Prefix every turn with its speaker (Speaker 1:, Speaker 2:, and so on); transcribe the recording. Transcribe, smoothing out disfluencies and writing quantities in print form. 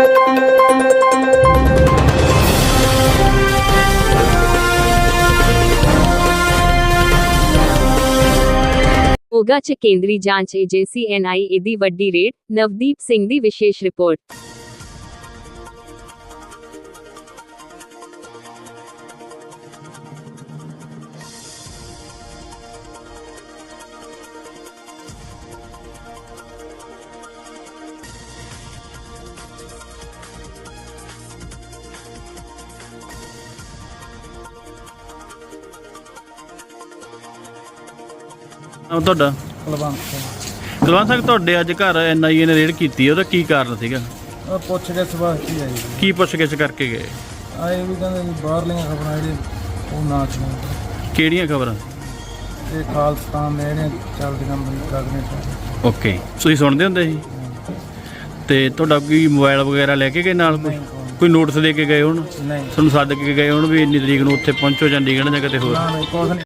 Speaker 1: ਮੋਗਾ 'ਚ ਕੇਂਦਰੀ ਜਾਂਚ ਏਜੰਸੀ NIA ਦੀ ਵੱਡੀ ਰੇਡ, ਨਵਦੀਪ ਸਿੰਘ ਦੀ ਵਿਸ਼ੇਸ਼ ਰਿਪੋਰਟ।
Speaker 2: ਤੁਹਾਡਾ ਕੁਲਵੰਤ ਸਿੰਘ, ਤੁਹਾਡੇ ਅੱਜ ਘਰ NIA ਨੇ ਰੇਡ ਕੀਤੀ, ਉਹਦਾ ਕੀ ਕਾਰਨ ਸੀਗਾ?
Speaker 3: ਪੁੱਛ ਗਿੱਛ ਵਾਸਤੇ ਆਈ ਜੀ।
Speaker 2: ਕੀ ਪੁੱਛ ਗਿੱਛ ਕਰਕੇ ਗਏ?
Speaker 3: ਆਏ ਵੀ ਕਹਿੰਦੇ ਜੀ ਬਾਹਰਲੀਆਂ ਖਬਰਾਂ ਜਿਹੜੇ ਉਹ ਨਾ ਸੁਣੋ।
Speaker 2: ਕਿਹੜੀਆਂ ਖਬਰਾਂ?
Speaker 3: ਇਹ ਖਾਲਸਤਾਨ ਦੇ ਜਿਹੜੀਆਂ ਚੱਲਦੀਆਂ ਲੱਗਦੀਆਂ ਸਾਰੇ।
Speaker 2: ਓਕੇ, ਤੁਸੀਂ ਸੁਣਦੇ ਹੁੰਦੇ ਸੀ? ਤੇ ਤੁਹਾਡਾ ਕੋਈ ਮੋਬਾਈਲ ਵਗੈਰਾ ਲੈ ਕੇ ਗਏ ਨਾਲ? ਕੋਈ ਨੋਟਿਸ ਦੇ ਕੇ ਗਏ ਹੋਣ?
Speaker 3: ਨਹੀਂ,
Speaker 2: ਤੁਹਾਨੂੰ ਸੱਦ ਕੇ ਗਏ ਹੋਣ ਵੀ ਇੰਨੀ ਤਰੀਕ ਨੂੰ ਉੱਥੇ ਪਹੁੰਚੋ ਚੰਡੀਗੜ੍ਹ ਜਾਂ ਕਿਤੇ ਹੋਰ?
Speaker 3: ਨਾ ਕੁਛ ਨਹੀਂ।